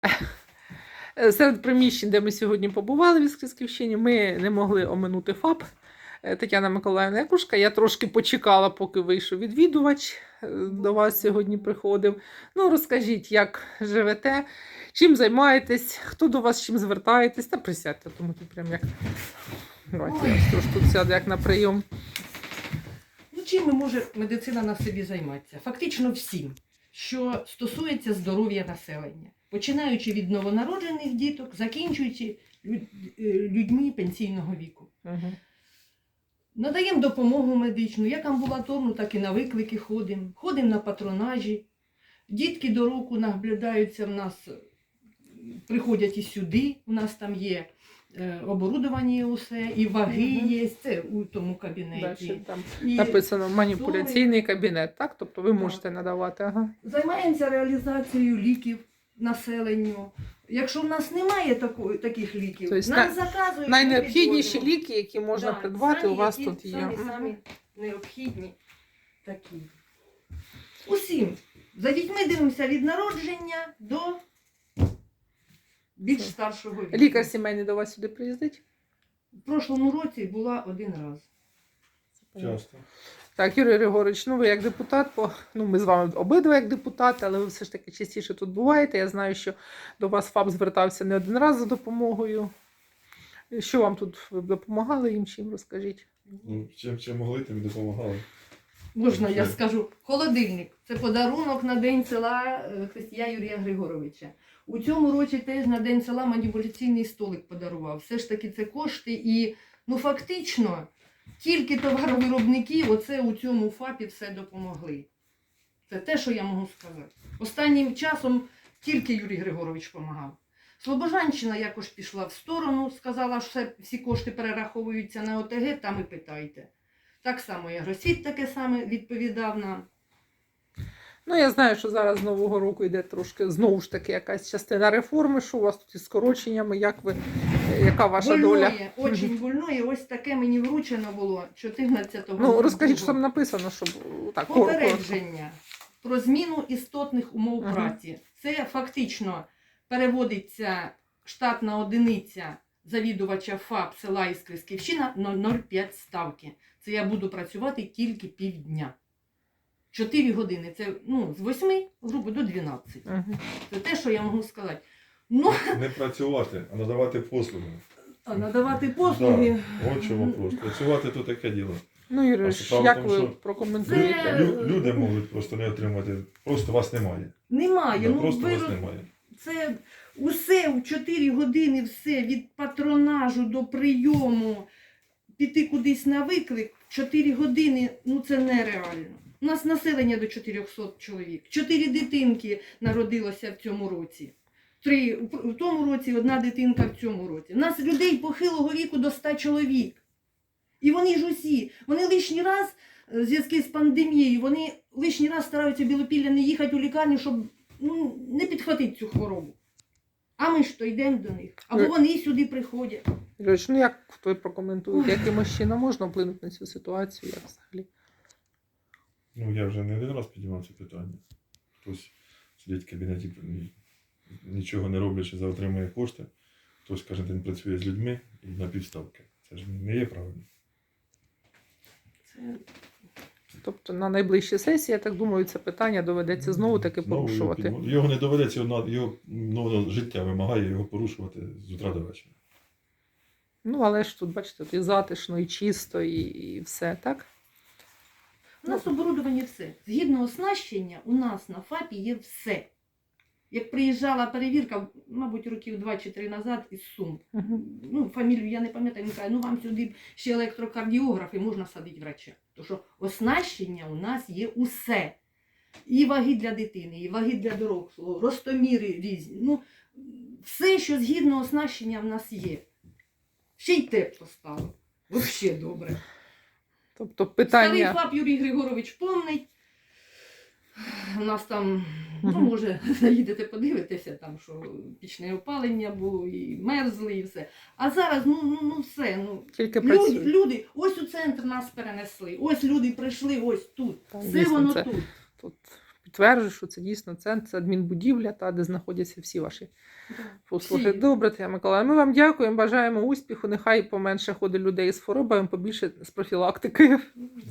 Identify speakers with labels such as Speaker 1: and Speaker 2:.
Speaker 1: Серед приміщень, де ми сьогодні побували в Іскрівщині, ми не могли оминути ФАП Тетяна Миколаївна Якушка. Я трошки почекала, поки вийшов відвідувач, до вас сьогодні приходив. Ну, розкажіть, як живете, чим займаєтесь, хто до вас чим звертаєтесь, та присядьте, тому тут прям як... Давайте я ось трошки тут сяду, як на прийом.
Speaker 2: Ну, чим може медицина на собі займатися? Фактично всім, що стосується здоров'я населення. Починаючи від новонароджених діток, закінчуючи людьми пенсійного віку.
Speaker 1: Угу.
Speaker 2: Надаємо допомогу медичну, як амбулаторну, так і на виклики ходимо. Ходимо на патронажі. Дітки до року наблюдаються в нас, приходять і сюди, у нас там є оборудування усе, і ваги є, це у тому кабінеті.
Speaker 1: Далі там
Speaker 2: І
Speaker 1: написано маніпуляційний кабінет, так? Тобто ви можете надавати. Ага.
Speaker 2: Займаємося реалізацією ліків населенню. Якщо в нас немає таких ліків,
Speaker 1: Тобто
Speaker 2: нам заказують.
Speaker 1: найнеобхідніші ліки, які можна придбати, у вас тут є.
Speaker 2: Самі необхідні такі. Усім. За дітьми дивимося від народження до більш старшого віку.
Speaker 1: Лікар сімейний до вас сюди приїздить?
Speaker 2: В прошлому році була один раз.
Speaker 3: Часто.
Speaker 1: Так, Юрій Григорович, ну ви як депутат, ми з вами обидва як депутати, але ви все ж таки частіше тут буваєте. Я знаю, що до вас ФАП звертався не один раз за допомогою. Що вам тут, ви б допомагали їм чим, розкажіть?
Speaker 3: Ну, чим могли, тим і допомагали.
Speaker 2: Можна, я скажу, холодильник. Це подарунок на День села Христія Юрія Григоровича. У цьому році теж на День села маніпуляційний столик подарував. Все ж таки це кошти і, фактично, тільки товаровиробники оце у цьому ФАПі все допомогли. Це те, що я можу сказати. Останнім часом тільки Юрій Григорович допомагав. Слобожанщина якось пішла в сторону, сказала, що всі кошти перераховуються на ОТГ, там і питайте. Так само і Агросвіт таке саме відповідав нам.
Speaker 1: Ну, я знаю, що зараз з Нового року йде трошки, знову ж таки, якась частина реформи. Що у вас тут із скороченнями, яка ваша доля?
Speaker 2: Дуже больное. Ось таке мені вручено було 14-го.
Speaker 1: Ну, розкажіть, що там написано, щоб так,
Speaker 2: попередження про зміну істотних умов праці. Це фактично переводиться штатна одиниця завідувача ФАП села Іскрівщина на 0,5 ставки. Це я буду працювати тільки півдня. 4 години. Це з 8, грубо, до 12. Це те, що я можу сказати.
Speaker 3: Не працювати, а надавати послуги.
Speaker 2: А надавати послуги.
Speaker 3: Да. От чому вопрос. Працювати то таке діло.
Speaker 1: Ну, Юрій, як ви прокоментуєте?
Speaker 3: Люди можуть просто не отримати, просто вас немає.
Speaker 2: Немає.
Speaker 3: Да, просто вас немає.
Speaker 2: Це усе в 4 години, все, від патронажу до прийому, піти кудись на виклик, 4 години, це нереально. У нас населення до 400 чоловік. 4 дитинки народилося в цьому році. 3 в тому році, 1 дитинка в цьому році. У нас людей похилого віку до 100 чоловік. І вони ж усі, вони лишній раз, в зв'язку з пандемією, вони лишній раз стараються Білопілля не їхати у лікарню, щоб не підхватити цю хворобу. А ми ж то йдемо до них. Або вони сюди приходять.
Speaker 1: Юрій, як ви прокоментуєте, якимось чином можна вплинути на цю ситуацію, як взагалі?
Speaker 3: Я вже не один раз піднімав це питання. Хтось сидить в кабінеті, нічого не роблячи, отримує кошти. Хтось кожен день працює з людьми і на півставки. Це ж не є правильно.
Speaker 1: Тобто на найближчій сесії, я так думаю, це питання доведеться знову таки порушувати.
Speaker 3: Його не доведеться, його життя вимагає його порушувати з утра до вечора.
Speaker 1: Але ж тут, бачите, тут і затишно, і чисто, і все, так?
Speaker 2: У нас оборудовані все. Згідно оснащення, у нас на ФАПі є все. Як приїжджала перевірка, мабуть, років 2 чи 3 назад із Сум. Фамілію я не пам'ятаю, він каже, вам сюди ще електрокардіограф і можна садити врача. Тому що оснащення у нас є усе. І ваги для дитини, і ваги для дорослого, ростоміри різні. Все, що згідно оснащення в нас є. Ще й тепло стало. Взагалі добре.
Speaker 1: Тобто питання...
Speaker 2: Старий ФАП Юрій Григорович помнить. У нас там, може, заїдете, подивитеся, там, що пічне опалення було, і мерзли, і все. А зараз, все.
Speaker 1: Тільки
Speaker 2: люди, ось у центр нас перенесли, ось люди прийшли, ось тут.
Speaker 1: Так,
Speaker 2: все
Speaker 1: дійсно,
Speaker 2: воно
Speaker 1: це...
Speaker 2: тут.
Speaker 1: Тут підтверджую, що це дійсно центр, це адмінбудівля, та, де знаходяться всі ваші послуги.
Speaker 2: Всі.
Speaker 1: Добре, Тетяна Миколаївна, ми вам дякуємо, бажаємо успіху, нехай поменше ходить людей з хворобами, побільше з профілактикою.